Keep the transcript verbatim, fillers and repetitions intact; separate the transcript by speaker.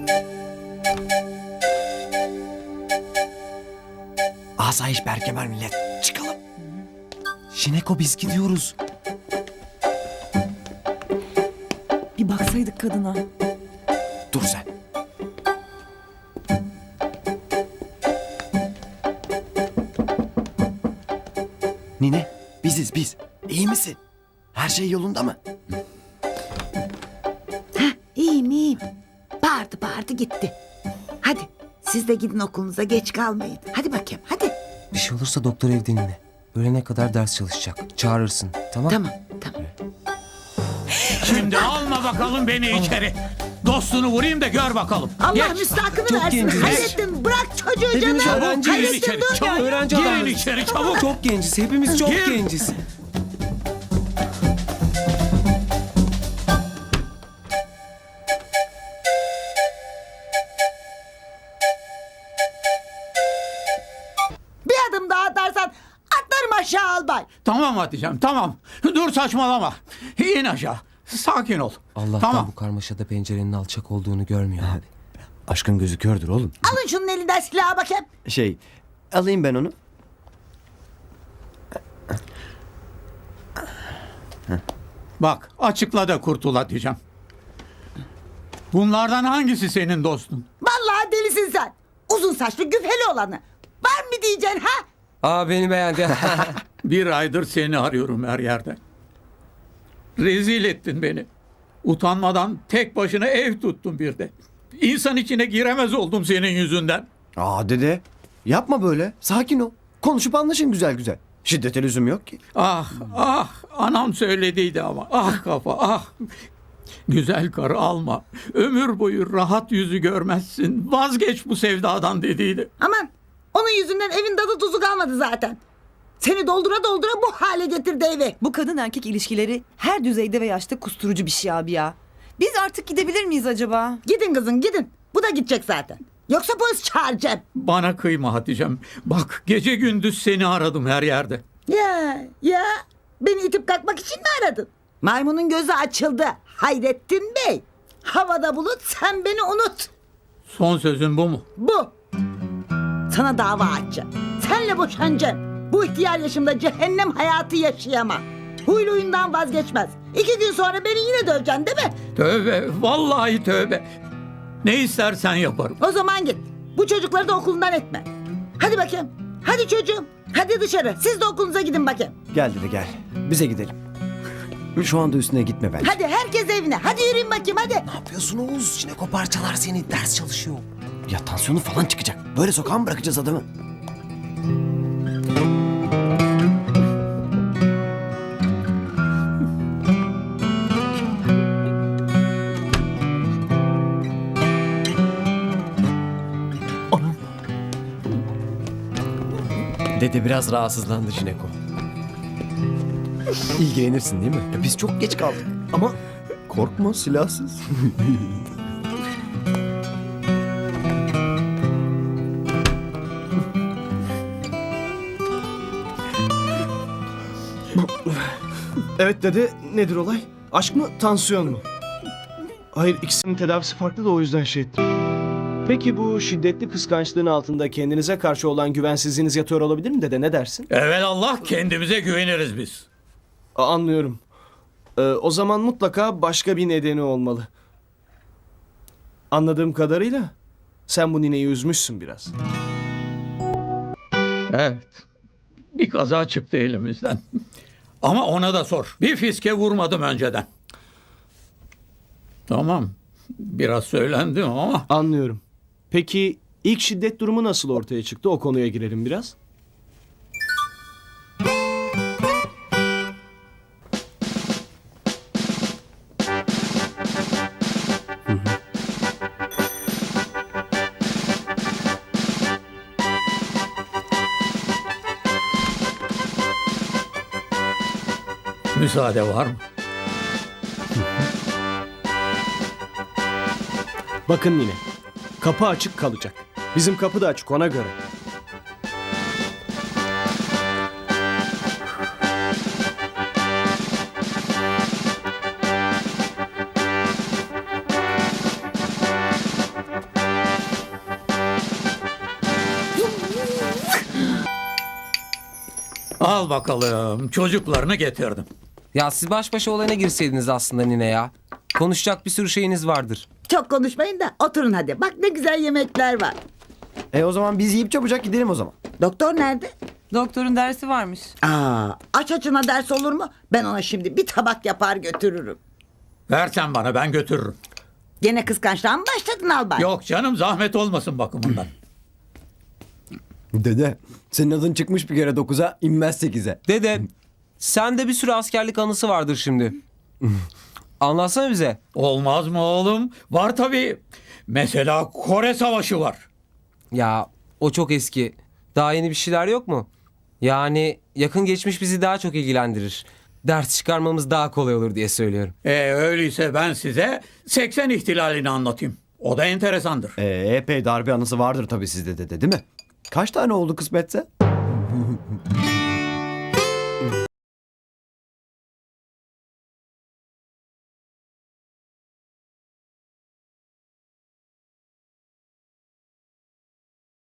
Speaker 1: Asayiş berkemer millet. Çıkalım. Şineko biz gidiyoruz.
Speaker 2: Bir baksaydık kadına.
Speaker 1: Dur sen. Nine biziz biz. İyi misin? Her şey yolunda mı?
Speaker 3: İyiyim iyiyim. Bağırdı bağırdı gitti. Hadi siz de gidin okulunuza, geç kalmayın. Hadi bakayım hadi.
Speaker 4: Bir şey olursa doktor evde Nine. Öğlene kadar ders çalışacak. Çağırırsın. Tamam?
Speaker 3: Tamam tamam.
Speaker 5: Şimdi alma bakalım beni içeri. Dostunu vurayım da gör bakalım.
Speaker 3: Allah
Speaker 5: Geç.
Speaker 3: müstahakını
Speaker 4: Çok
Speaker 3: versin.
Speaker 4: genciz.
Speaker 3: Hayrettin bırak çocuğu
Speaker 4: Hepimiz
Speaker 3: canım.
Speaker 4: öğrenciyiz.
Speaker 5: Girin
Speaker 3: Hayrettin
Speaker 5: içeri.
Speaker 3: dur.
Speaker 5: Çabuk.
Speaker 4: Öğrenci
Speaker 5: Girin
Speaker 4: adamız.
Speaker 5: içeri çabuk.
Speaker 4: Çok genciz. Hepimiz çok
Speaker 5: Gir.
Speaker 4: genciz.
Speaker 3: Bir adım daha atarsan atlarım aşağı albay.
Speaker 5: Tamam Hatice'm tamam. Dur saçmalama. İn aşağı. Sakin ol.
Speaker 4: Allah'tan
Speaker 5: Tamam.
Speaker 4: bu karmaşada pencerenin alçak olduğunu görmüyor abi.
Speaker 1: Aşkın gözü kördür oğlum.
Speaker 3: Alın şunun elinden silahı bakayım.
Speaker 1: Şey alayım ben onu.
Speaker 5: Bak açıkla da kurtul Hatice'm. Bunlardan hangisi senin dostun?
Speaker 3: Vallahi delisin sen. Uzun saçlı güfeli olanı. Var mı diyeceksin ha?
Speaker 4: Aa beni beğendi.
Speaker 5: Bir aydır seni arıyorum her yerde. Rezil ettin beni. Utanmadan tek başına ev tuttun bir de. İnsan içine giremez oldum senin yüzünden.
Speaker 1: Aa dede yapma böyle. Sakin ol. Konuşup anlaşın güzel güzel. Şiddete lüzum yok ki.
Speaker 5: Ah ah anam söylediydi ama ah kafa ah. Güzel karı alma. Ömür boyu rahat yüzü görmezsin. Vazgeç bu sevdadan dediydi.
Speaker 3: Aman onun yüzünden evin tadı tuzu kalmadı zaten. Seni doldura doldura bu hale getirdi evi.
Speaker 2: Bu kadın erkek ilişkileri her düzeyde ve yaşta kusturucu bir şey abi ya. Biz artık gidebilir miyiz acaba?
Speaker 3: Gidin kızım gidin. Bu da gidecek zaten. Yoksa polis çağıracağım.
Speaker 5: Bana kıyma Hatice'm. Bak gece gündüz seni aradım her yerde.
Speaker 3: Ya ya beni itip kalkmak için mi aradın? Maymunun gözü açıldı. Hayrettin Bey. Havada bulut sen beni unut.
Speaker 5: Son sözün bu mu?
Speaker 3: Bu. Sana dava açacağım. Senle boşanacağım. Bu ihtiyar yaşımda cehennem hayatı yaşayamam. Huylu huyundan vazgeçmez. İki gün sonra beni yine döveceksin değil mi?
Speaker 5: Tövbe vallahi tövbe. Ne istersen yaparım.
Speaker 3: O zaman git. Bu çocukları da okulundan etme. Hadi bakayım. Hadi çocuğum. Hadi dışarı. Siz de okulunuza gidin bakayım.
Speaker 1: Gel dede gel. Bize gidelim. Şu anda üstüne gitme bence.
Speaker 3: Hadi herkes evine. Hadi yürüyün bakayım hadi.
Speaker 4: Ne yapıyorsun Oğuz? Şineko parçalar seni. Ders çalışıyor.
Speaker 1: Ya tansiyonu falan çıkacak. Böyle sokağa mı bırakacağız adamı?
Speaker 6: Dede biraz rahatsızlandı Jineko. İlgilenirsin değil mi?
Speaker 1: Ya biz çok geç kaldık. Ama korkma silahsız.
Speaker 7: Evet dede, nedir olay? Aşk mı, tansiyon mu? Hayır, ikisinin tedavisi farklı da o yüzden şey ettim. Peki bu şiddetli kıskançlığın altında kendinize karşı olan güvensizliğiniz yatıyor olabilir mi dede, ne dersin?
Speaker 5: Evet Allah kendimize güveniriz biz.
Speaker 7: A- anlıyorum. Ee, o zaman mutlaka başka bir nedeni olmalı. Anladığım kadarıyla sen bu nineyi üzmüşsün biraz.
Speaker 5: Evet. Bir kaza çıktı elimizden. Ama ona da sor. Bir fiske vurmadım önceden. Tamam. Biraz söylendim ama.
Speaker 7: Anlıyorum. Peki ilk şiddet durumu nasıl ortaya çıktı? O konuya girelim biraz.
Speaker 5: Müsaade var mı?
Speaker 7: Bakın yine. Kapı açık kalacak. Bizim kapı da açık ona göre.
Speaker 5: Al bakalım, çocuklarını getirdim.
Speaker 4: Ya siz baş başa olayına girseydiniz aslında nine ya. Konuşacak bir sürü şeyiniz vardır.
Speaker 3: Çok konuşmayın da oturun hadi. Bak ne güzel yemekler var.
Speaker 1: E o zaman biz yiyip çabucak gidelim o zaman.
Speaker 3: Doktor nerede?
Speaker 2: Doktorun dersi varmış.
Speaker 3: Aa, aç açına ders olur mu? Ben ona şimdi bir tabak yapar götürürüm.
Speaker 5: Versen bana, ben götürürüm.
Speaker 3: Gene kıskançlığa mı başladın Albay?
Speaker 5: Yok canım, zahmet olmasın bakımından.
Speaker 1: Dede senin adın çıkmış bir kere dokuza inmez sekize.
Speaker 4: Dede, sende bir sürü askerlik anısı vardır şimdi. Anlatsana bize.
Speaker 5: Olmaz mı oğlum? Var tabii. Mesela Kore Savaşı var.
Speaker 4: Ya o çok eski. Daha yeni bir şeyler yok mu? Yani yakın geçmiş bizi daha çok ilgilendirir. Ders çıkarmamız daha kolay olur diye söylüyorum.
Speaker 5: E öyleyse ben size seksen ihtilalini anlatayım. O da enteresandır.
Speaker 1: E, epey darbe anısı vardır tabii sizde dede değil mi? Kaç tane oldu kısmetse?